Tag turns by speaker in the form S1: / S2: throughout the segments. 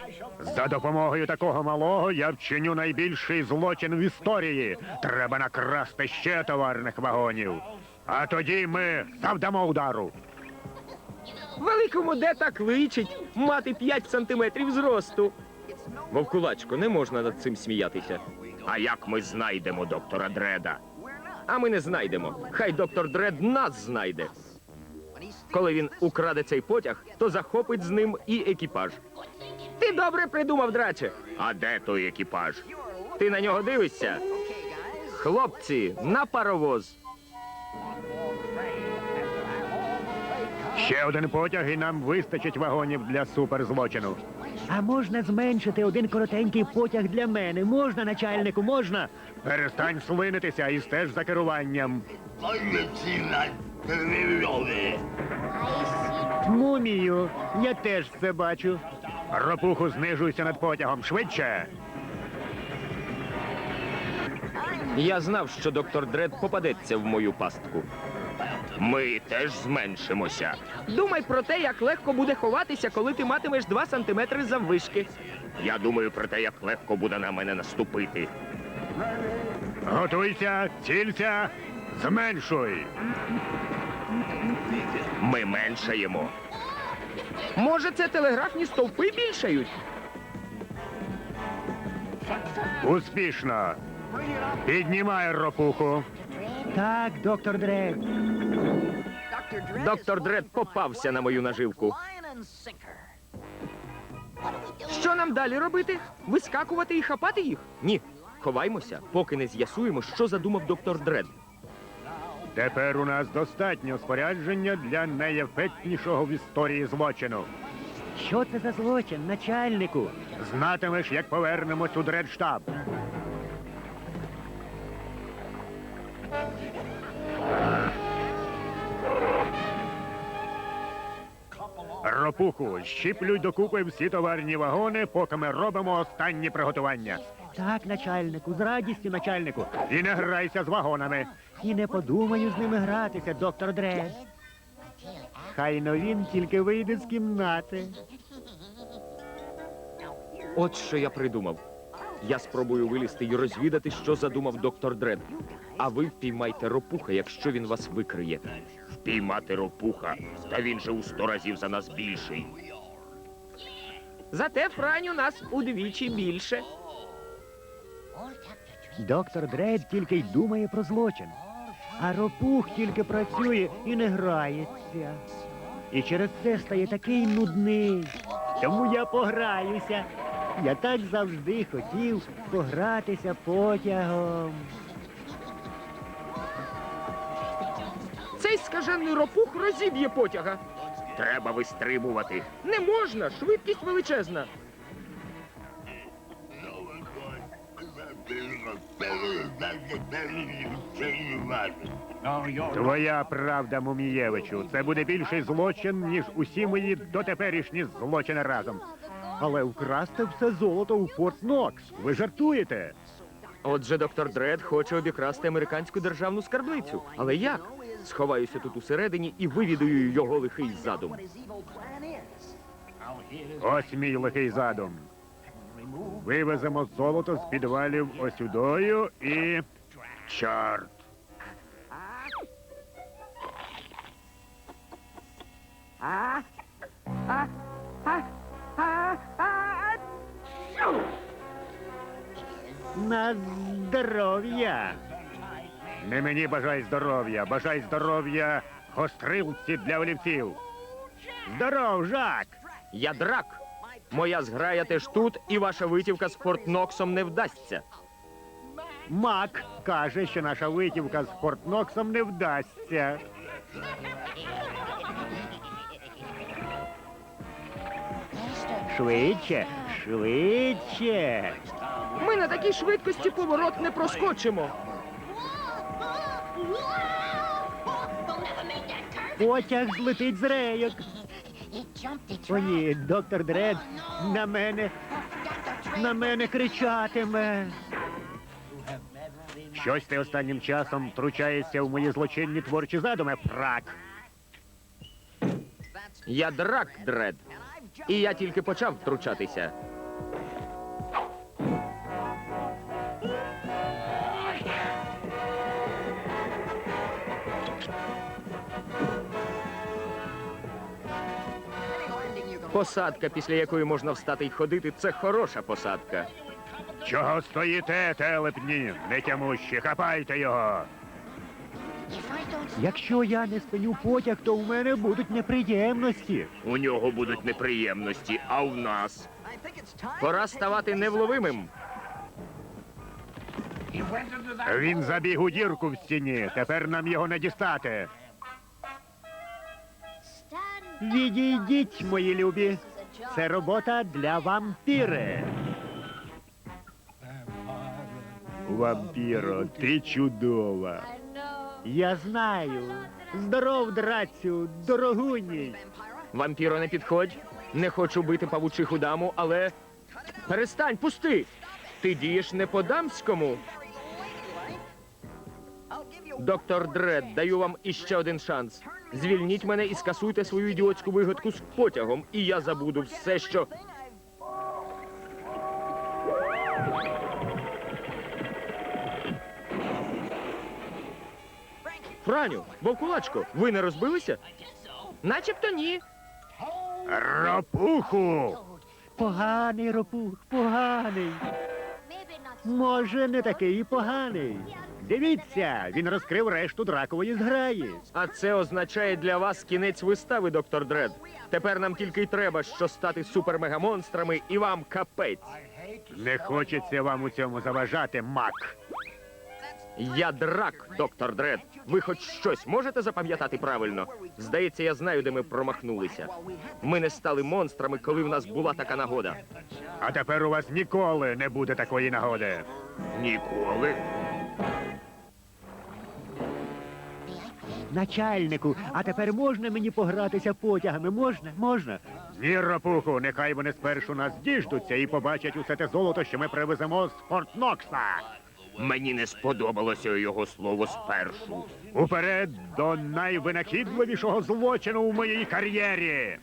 S1: За допомогою такого малого я вчиню найбільший злочин в історії. Треба накрасти ще товарних вагонів. А тоді ми завдамо удару.
S2: Великому де так личить мати 5 сантиметрів зросту. Вовкулачко, не можна над цим сміятися.
S3: А як ми знайдемо доктора Дреда?
S2: А ми не знайдемо. Хай доктор Дред нас знайде. Коли він украде цей потяг, то захопить з ним і екіпаж. Ти добре придумав, драче.
S3: А де той екіпаж?
S2: Ти на нього дивишся? Хлопці, на паровоз.
S1: Ще один потяг, і нам вистачить вагонів для суперзлочину.
S4: А можна зменшити один коротенький потяг для мене? Можна, начальнику, можна?
S1: Перестань слинитися і стеж за керуванням.
S4: Мумію, я теж це бачу.
S1: Ропуху, знижуйся над потягом. Швидше!
S2: Я знав, що доктор Дред попадеться в мою пастку.
S3: Ми теж зменшимося.
S2: Думай про те, як легко буде ховатися, коли ти матимеш 2 сантиметри заввишки.
S3: Я думаю про те, як легко буде на мене наступити.
S1: Готуйся, цілься, зменшуй.
S3: Ми меншаємо.
S2: Може, це телеграфні стовпи більшають?
S1: Успішно. Піднімай ропуху.
S4: Так, доктор Дред.
S2: Доктор Дред попався на мою наживку. Що нам далі робити? Вискакувати і хапати їх? Ні. Ховаймося, поки не з'ясуємо, що задумав доктор Дред.
S1: Тепер у нас достатньо спорядження для найефектнішого в історії злочину.
S4: Що це за злочин, начальнику?
S1: Знатимеш, як повернемось у дредштаб. Ропуху, щіплюй докупи всі товарні вагони, поки ми робимо останні приготування.
S4: Так, начальнику, з радістю, начальнику.
S1: І не грайся з вагонами.
S4: І не подумаю з ними гратися, доктор Дред. Хайно він тільки вийде з кімнати.
S2: От що я придумав. Я спробую вилізти і розвідати, що задумав доктор Дред. А ви впіймайте ропуха, якщо він вас викриє.
S3: Впіймати ропуха. Та він же у 100 разів за нас більший.
S2: Зате Франю нас удвічі більше.
S4: Доктор Дред тільки й думає про злочин. А ропух тільки працює і не грається. І через це стає такий нудний. Тому я пограюся. Я так завжди хотів погратися потягом.
S2: Цей скажений ропух розіб'є потяга.
S3: Треба вистрибувати.
S2: Не можна, швидкість величезна.
S1: Твоя правда, Мумієвичу. Це буде більший злочин, ніж усі мої дотеперішні злочини разом. Але вкрасти все золото у Форт Нокс. Ви жартуєте?
S2: Отже, доктор Дред хоче обікрасти американську державну скарбницю. Але як? Сховаюся тут усередині і вивідую його лихий задум.
S1: Ось мій лихий задум. Вивеземо золото з підвалів осюдою і... Чорт!
S4: На здоров'я!
S1: Не мені бажай здоров'я, бажай здоров'я гострилці для олівців. Здоров, Жак!
S2: Я драк. Моя зграя теж тут, і ваша витівка з Форт Ноксом не вдасться.
S1: Мак каже, що наша витівка з Форт Ноксом не вдасться.
S4: Швидше, швидше.
S2: Ми на такій швидкості поворот не проскочимо.
S4: Потяг злетить з рейок. О ні, доктор Дред на мене кричатиме.
S1: Щось ти останнім часом втручаєшся в мої злочинні творчі задуми, фрак.
S2: Я драк, Дред. І я тільки почав втручатися. Посадка, після якої можна встати й ходити, це хороша посадка.
S1: Чого стоїте, телепні? Нетямущі, хапайте його.
S4: Якщо я не спиню потяг, то у мене будуть неприємності.
S3: У нього будуть неприємності, а у нас?
S2: Пора ставати невловимим.
S1: Він забіг у дірку в стіні. Тепер нам його не дістати.
S4: Відійдіть, мої любі. Це робота для вампіри.
S1: Вампіро, ти чудова.
S4: Я знаю. Здоров, драцю, дорогуній.
S2: Вампіро, не підходь. Не хочу бити павучиху даму, але... Перестань, пусти! Ти дієш не по-дамському. Доктор Дред, даю вам іще один шанс. Звільніть мене і скасуйте свою ідіотську вигадку з потягом, і я забуду все, що... Франю, вовкулачко, ви не розбилися? Начебто ні.
S1: Ропуху!
S4: Поганий ропух, поганий. Може, не такий і поганий. Дивіться, він розкрив решту дракової зграї.
S2: А це означає для вас кінець вистави, доктор Дред. Тепер нам тільки й треба, що стати супермегамонстрами, і вам капець.
S1: Не хочеться вам у цьому заважати, мак.
S2: Я драк, доктор Дред. Ви хоч щось можете запам'ятати правильно? Здається, я знаю, де ми промахнулися. Ми не стали монстрами, коли в нас була така нагода.
S1: А тепер у вас ніколи не буде такої нагоди.
S3: Ніколи.
S4: Начальнику, а тепер можна мені погратися потягами? Можна? Можна?
S1: Ні, Ропуху, нехай вони спершу нас діждуться і побачать усе те золото, що ми привеземо з Форт Нокса.
S3: Мені не сподобалося його слово спершу.
S1: Уперед до найвинахідливішого злочину у моїй кар'єрі.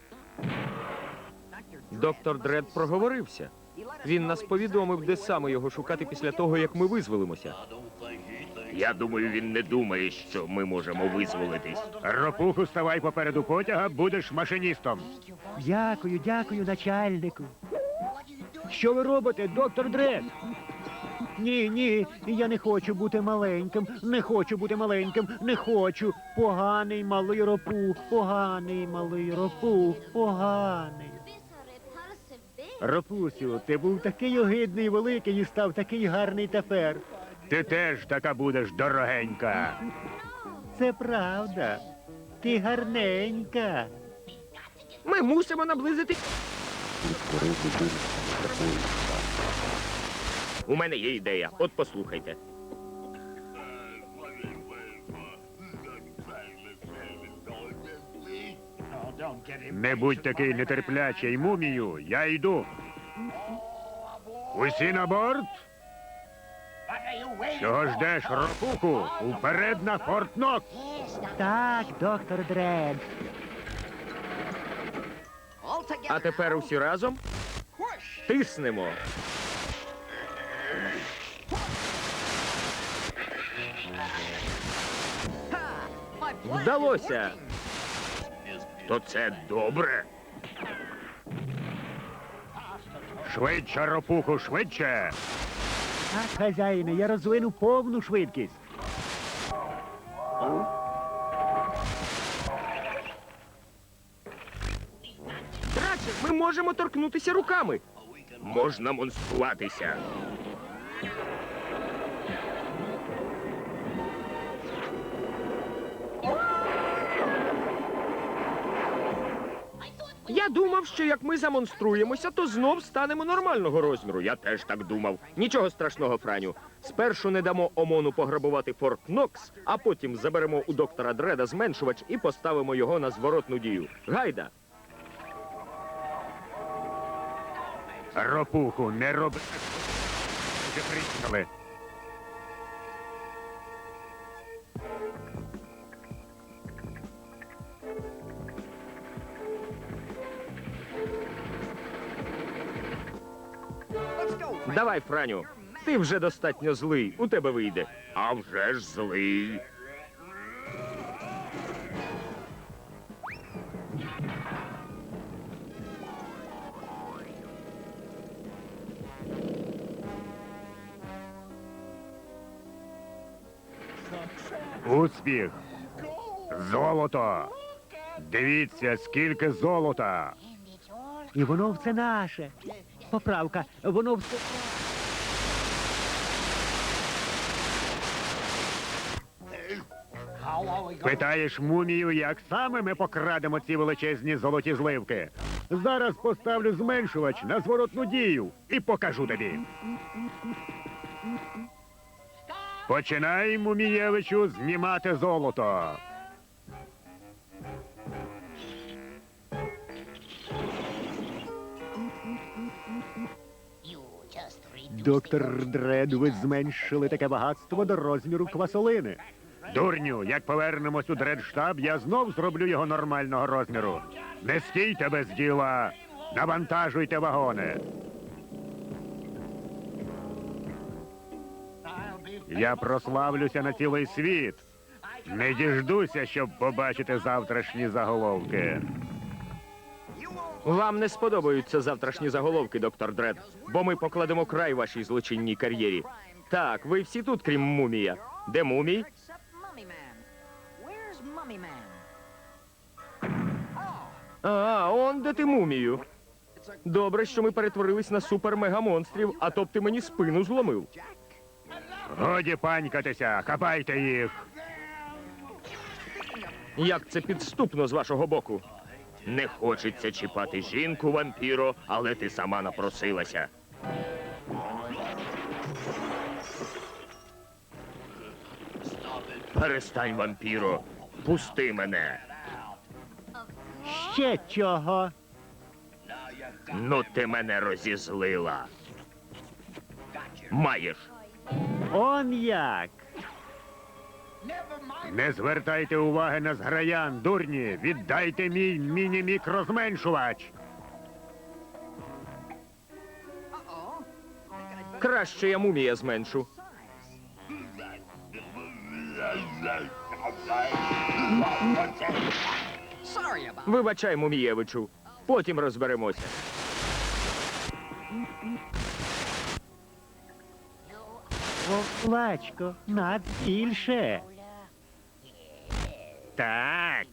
S2: Доктор Дред проговорився. Він нас повідомив, де саме його шукати після того, як ми визволимося.
S3: Я думаю, він не думає, що ми можемо визволитись.
S1: Ропуху, ставай попереду потяга, будеш машиністом.
S4: Дякую, дякую, начальнику. Що ви робите, доктор Дред? Ні, ні, я не хочу бути маленьким, не хочу бути маленьким, не хочу. Поганий малий ропух, поганий малий ропух, поганий. Ропусю, ти був такий огидний великий і став такий гарний тепер.
S1: Ти теж така будеш дорогенька.
S4: Це правда. Ти гарненька.
S2: Ми мусимо наблизити...
S3: У мене є ідея. От послухайте.
S1: Не будь такий нетерплячий, мумію, я йду. Усі на борт? Чого ждеш, Ропуху? Уперед на Форт Нокс!
S4: Так, доктор Дред.
S2: А тепер усі разом тиснемо. Вдалося.
S3: То це добре.
S1: Швидше, Ропуху, швидше!
S4: Так, хазяїне, я розвину повну швидкість.
S2: Радше, ми можемо торкнутися руками.
S3: Можна монструватися.
S2: Я думав, що як ми замонструємося, то знов станемо нормального розміру.
S3: Я теж так думав.
S2: Нічого страшного, Франю. Спершу не дамо ОМОНу пограбувати Форт Нокс, а потім заберемо у доктора Дреда зменшувач і поставимо його на зворотну дію. Гайда!
S1: Ропуху, не роби. Вже приїхали.
S2: Давай, Франю. Ти вже достатньо злий. У тебе вийде.
S3: А вже ж злий.
S1: Успіх! Золото! Дивіться, скільки золота!
S4: І воно все наше. Поправка, воно все...
S1: Питаєш мумію, як саме ми покрадемо ці величезні золоті зливки? Зараз поставлю зменшувач на зворотну дію і покажу тобі. Починай, Мумієвичу, знімати золото.
S4: Доктор Дред, ви зменшили таке багатство до розміру квасолини.
S1: Дурню, як повернемось у дредштаб, я знов зроблю його нормального розміру. Не стійте без діла, навантажуйте вагони. Я прославлюся на цілий світ. Не діждуся, щоб побачити завтрашні заголовки.
S2: Вам не сподобаються завтрашні заголовки, доктор Дред, бо ми покладемо край вашій злочинній кар'єрі. Так, ви всі тут, крім мумія. Де мумій? А, он де ти мумію. Добре, що ми перетворились на супер-мегамонстрів, а то б ти мені спину зломив.
S1: Годі панькатися, хапайте їх.
S2: Як це підступно з вашого боку.
S3: Не хочеться чіпати жінку, вампіро, але ти сама напросилася. Перестань, вампіро. Пусти мене.
S4: Ще чого?
S3: Ну ти мене розізлила. Маєш.
S4: Он як?
S1: Не звертайте уваги на зграян, дурні. Віддайте мій міні-мікрозменшувач.
S2: Краще я мумія зменшу. Вибачай, мумієвичу. Потім розберемося.
S4: Вовлачко, над більше.
S1: Так.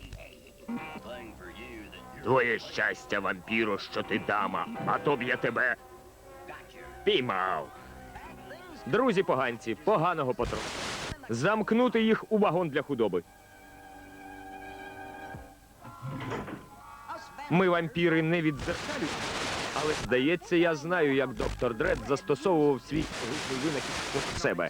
S3: Твоє щастя, вампіро, що ти дама, а то б я тебе піймав.
S2: Друзі поганці, поганого потроху. Замкнути їх у вагон для худоби. Ми, вампіри, не відзеркалюємо, але, здається, я знаю, як доктор Дред застосовував свій гучний винахід проти себе.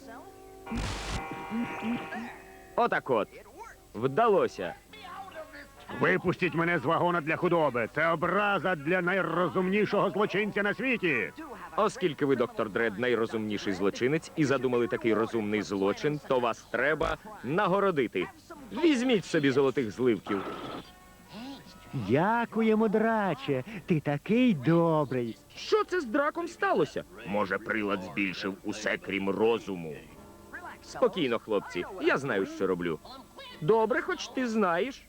S2: Отак от. Вдалося.
S1: Випустіть мене з вагона для худоби. Це образа для найрозумнішого злочинця на світі.
S2: Оскільки ви, доктор Дред, найрозумніший злочинець і задумали такий розумний злочин, то вас треба нагородити. Візьміть собі золотих зливків.
S4: Дякуємо, драче. Ти такий добрий.
S2: Що це з драком сталося?
S3: Може, прилад збільшив усе, крім розуму.
S2: Спокійно, хлопці, я знаю, що роблю. Добре, хоч ти знаєш.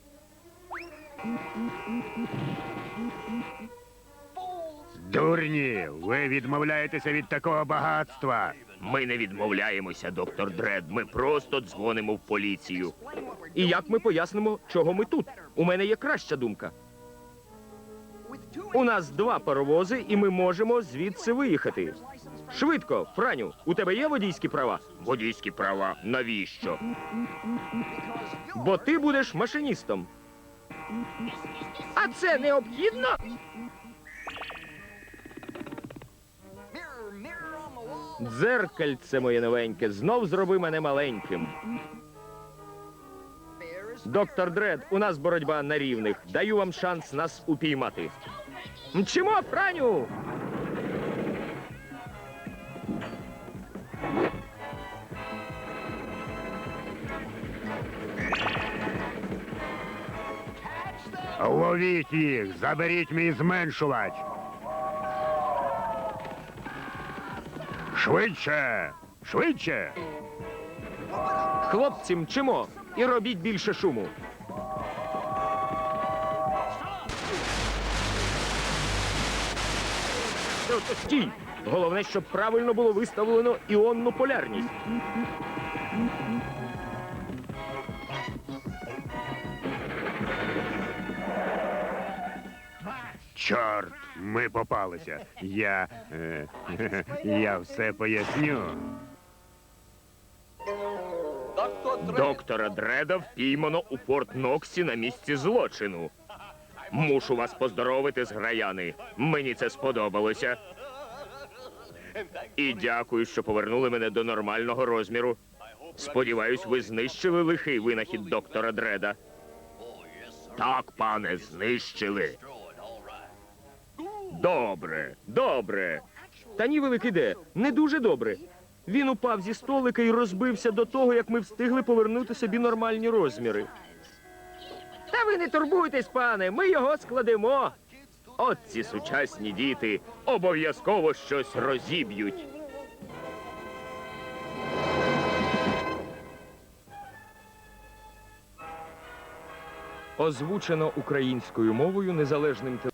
S1: Дурні, ви відмовляєтеся від такого багатства.
S3: Ми не відмовляємося, доктор Дред. Ми просто дзвонимо в поліцію.
S2: І як ми пояснимо, чого ми тут? У мене є краща думка. У нас 2 паровози, і ми можемо звідси виїхати. Швидко, Франю, у тебе є водійські права?
S3: Водійські права. Навіщо?
S2: Бо ти будеш машиністом. А це необхідно? Дзеркальце моє новеньке, знов зроби мене маленьким. Доктор Дред, у нас боротьба на рівних. Даю вам шанс нас упіймати. Мчимо, Франю!
S1: Ловіть їх, заберіть мій зменшувач. Швидше! Швидше!
S2: Хлопці, мчимо і робіть більше шуму. Стій! Головне, щоб правильно було виставлено іонну полярність.
S1: Чорт, ми попалися. Я все поясню.
S2: Доктора Дреда впіймано у Форт Ноксі на місці злочину. Мушу вас поздоровити, зграяни. Мені це сподобалося. І дякую, що повернули мене до нормального розміру. Сподіваюсь, ви знищили лихий винахід доктора Дреда.
S3: Так, пане, знищили.
S2: Добре, добре. Та ні, великий де, не дуже добре. Він упав зі столика і розбився до того, як ми встигли повернути собі нормальні розміри. Та ви не турбуйтесь, пане, ми його складемо. От ці сучасні діти обов'язково щось розіб'ють. Озвучено українською мовою незалежним телебаченням.